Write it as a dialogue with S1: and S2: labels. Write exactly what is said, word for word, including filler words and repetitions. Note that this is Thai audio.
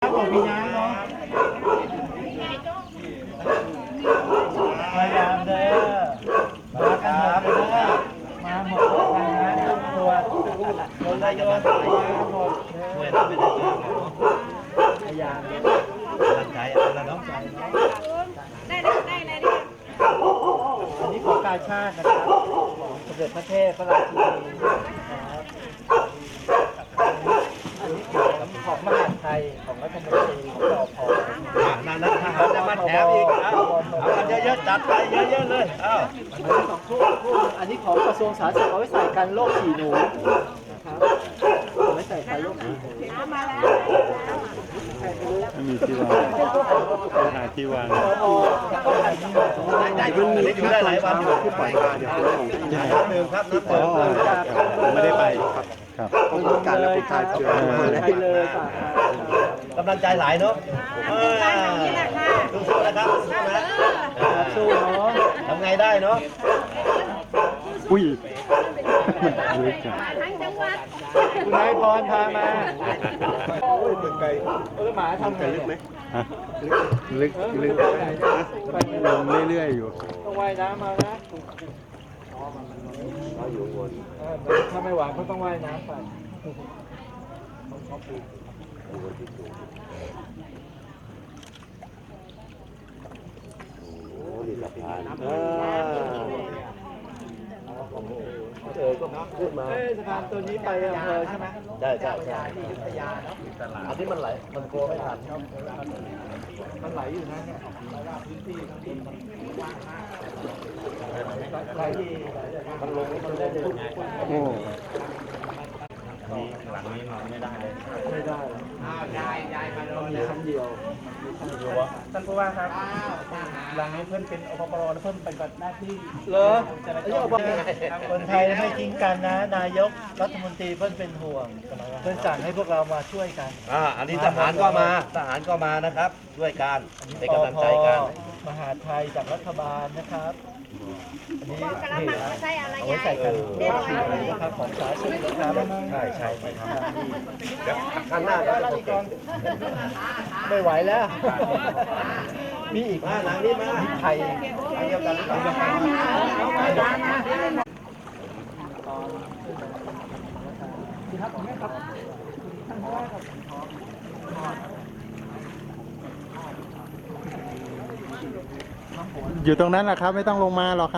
S1: ำของพี่น้ำเนาะพยายามเด้อมากันหมดเลยมาหมดกันนะตัวคนละยนต์พยายามหมดช่วยเราไปได้พยายามตั้งใจเอาละน้องใจได้ได้ได้เลยดิอันนี้ของกาชาตินะครับสมเด็จพระเทพพระราชินีนะครับอันนี้ของมหาไทยของรัฐมนตรีของรอพอนั่นนะทหารจะมาแถมอีกเอาเอากันเยอะๆจัดไปเยอะๆเลยเอาอันนี้สองคู่คู่อันนี้ของกระทรวงสาธารณสุขเอาไว้ใส่กันโรคฉี่หนูนะครับเอาไว้ใส่กันโรคฉี่หนูมาแล้ว
S2: ไม่มีที่วางปัญหาที่วาง
S1: ได้ได้อยู่ได้หลายวันอยู่ที่ปล่อยมาเดี๋ยวน้ำหนึ่งครับน้ำเติม
S2: ผมไม่ได้ไปครับครับ
S1: การระบบการเชื้อเลยกำลังใจหลายเนาะสู้ๆนะครับสู้นะสู้เนาะทำไงได้เนาะ
S2: อุ้ยมันลึกอ่ะ
S1: คุณนายพรพามาโอ้ยเป็นไก่เออหมาทำไงลึกไหม
S2: ฮะลึกลึกลงเรื่อยๆอยู่
S1: ต้องว่ายน้ำมานะถ้าไม่หวานก็ต้องว่ายน้ำไปโอ้ดีสะพานเออเออก็ขึ้นมาเออสะพานตัวนี้ไปอำเภอใช่ไหมใช่ใช่ใช่ที่อยุธยาเนาะอันนี้มันไหลมันกลัวไม่ทันมันไหลอยู่นะเนี่ยพื้นที่ที่มันว่างมากไหลที่มันลงมันได้เลย
S2: โอ้
S3: นี่หลังนี้นอนไม่ได้เลย
S1: ไม่ได้อ้าวยายยายมาเลยมีคำเดียวท่านผู้ว่าครับหลังนี้เพื่อนเป็นอปปรเพื่อนปฏิบัติหน้าที่เหรอคนไทยไม่ทิ้งกันนะนายกรัฐมนตรีเพื่อนเป็นห่วงเพื่อนสั่งให้พวกเรามาช่วยกัน
S3: อ่าอันนี้ทหารก็มาทหารก็มานะครับช่วยกันเป็นกำลังใจกัน
S1: มหาไทยจากรัฐบาลนะครับอันนี้เอาไว้ใส่กันเรียบร้อยนะครับของสาธารณสุขนะครับ
S3: ใช่ใช่ไปทำที่
S1: ข้างหน้าก็จะติดไม่ไหวแล้วมีอีกมาหลังนี้มาไทยเดียวกันหรือเปล่า
S2: อยู่ตรงนั้นแหละครับไม่ต้องลงมาหรอกครับ